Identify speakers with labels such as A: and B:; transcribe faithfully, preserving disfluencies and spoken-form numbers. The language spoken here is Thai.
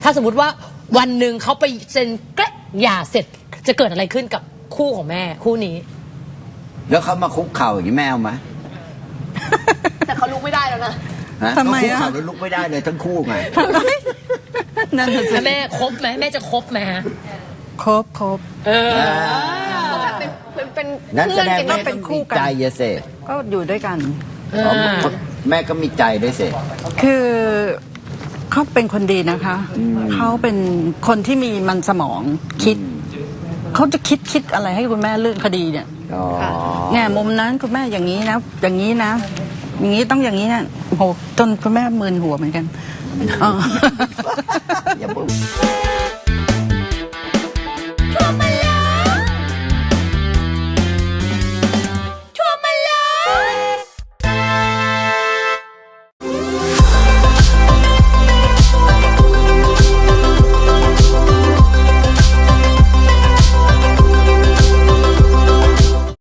A: ถ้าสมมติว่าวันหนึ่งเขาไปเซ็นแกล้หย่าเสร็จจะเกิดอะไรขึ้นกับคู่ของแม่คู่นี้
B: แล้วเขามาคุกเข่าอย่างนี้แม่เอาไหม
A: แต่เขาลุกไม่ได้แล้วนะ
B: ฮะ
C: ทำไม
B: เขาคุก
C: อะ
B: เข่าแล้วลุกไม่ได้เลยทั้งคู่ไง
C: นั่นน่ะสิ
A: แล้วแม่คบไหมแม่จะคบไหมฮะ
C: ครบครบ
A: เออ
D: เขาแบบเป็นเป็นเป็น
B: นั้นแส
D: เพื่อน
B: ดง
D: กัน
B: แม่
D: นะ
B: ต้องมีใจเยเส
C: ก็อยู่ด้วยกัน
B: อ๋อแม่ก็มีใจด้วยเส
C: คือเขาเป็นคนดีนะคะ เขาเป็นคนที่มีมันสมองคิด เขาจะคิดคิดอะไรให้คุณแม่เรื่องคดีเนี่ย
B: อ๋อ
C: แง่มุมนั้นคุณแม่อย่างนี้นะ อย่างนี้นะ อย่างนี้ต้องอย่างนี้นะโหจนคุณแม่มึนหัวเหมือนกันอ๋อ
B: อย่าพูด